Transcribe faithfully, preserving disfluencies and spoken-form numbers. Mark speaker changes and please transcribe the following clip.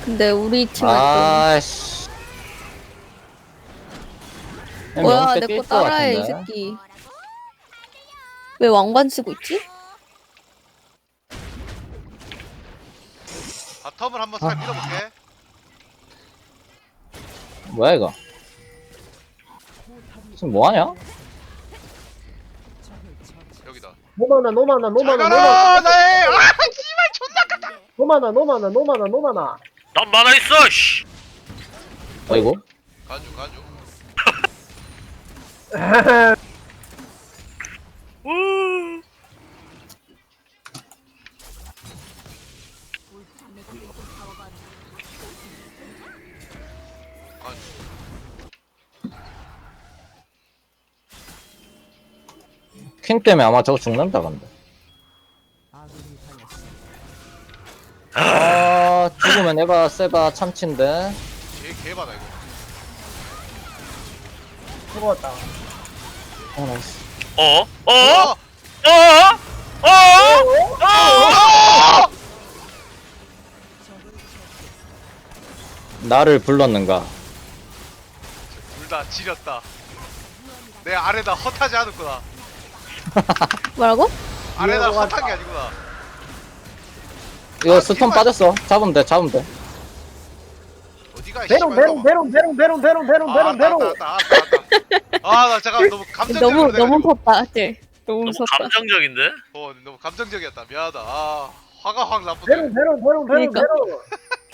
Speaker 1: 근데 우리 팀은
Speaker 2: 아씨.
Speaker 1: 또 뭐야 내 거 따라해 이 새끼. 왜 왕관 쓰고 있지?
Speaker 3: 바텀을 한번 살
Speaker 2: 아.
Speaker 3: 밀어볼게.
Speaker 2: 뭐야 이거? 지금 뭐하냐?
Speaker 3: 여기다.
Speaker 4: 노마나 노마나
Speaker 3: 잘
Speaker 4: 노마나 노마나
Speaker 3: 가라 나의 아 씨발 존나 깝다.
Speaker 4: 노마나 노마나 노마나 노마나
Speaker 5: 난 만화 있어 씨.
Speaker 2: 어이구.
Speaker 3: 가주 가주.
Speaker 5: 우.
Speaker 3: 가주.
Speaker 2: 퀸 때문에 아마 저거 죽는다 근데. 아 죽으면 에바 세바 참치인데.
Speaker 3: 개 개바다 이거.
Speaker 4: 죽었다.
Speaker 2: 어 나이스.
Speaker 5: 어? 어?
Speaker 3: 어!
Speaker 5: 어? 어? 어?
Speaker 2: 나를 불렀는가?
Speaker 3: 둘 다 지렸다. 내 아래다 헛하지 않았구나.
Speaker 1: 뭐라고?
Speaker 3: 아래다
Speaker 4: 이해가
Speaker 3: 헛한 게 아니구나.
Speaker 2: 이거
Speaker 3: 아,
Speaker 2: 스톤
Speaker 3: 팀을-
Speaker 2: 빠졌어. 잡으면 돼. 잡으면 돼.
Speaker 3: 어디가 이
Speaker 4: 베론
Speaker 3: 씨발
Speaker 4: 베론 베론 베론 베론 베론 베론
Speaker 3: 아,
Speaker 4: 베론
Speaker 3: 알았다,
Speaker 4: 베론
Speaker 3: 알았다, 알았다, 알았다. 아, 나 잠깐 너무 감정적으로
Speaker 1: 너무 너무
Speaker 3: 돼가지고.
Speaker 1: 무섭다 쟤. 너무
Speaker 5: 너무
Speaker 1: 무섭다.
Speaker 5: 감정적인데?
Speaker 3: 어, 너무 감정적이었다. 미안하다. 아, 화가 확 나쁘네.
Speaker 4: 베론 베론 베론 베론
Speaker 1: 그러니까.
Speaker 4: 베론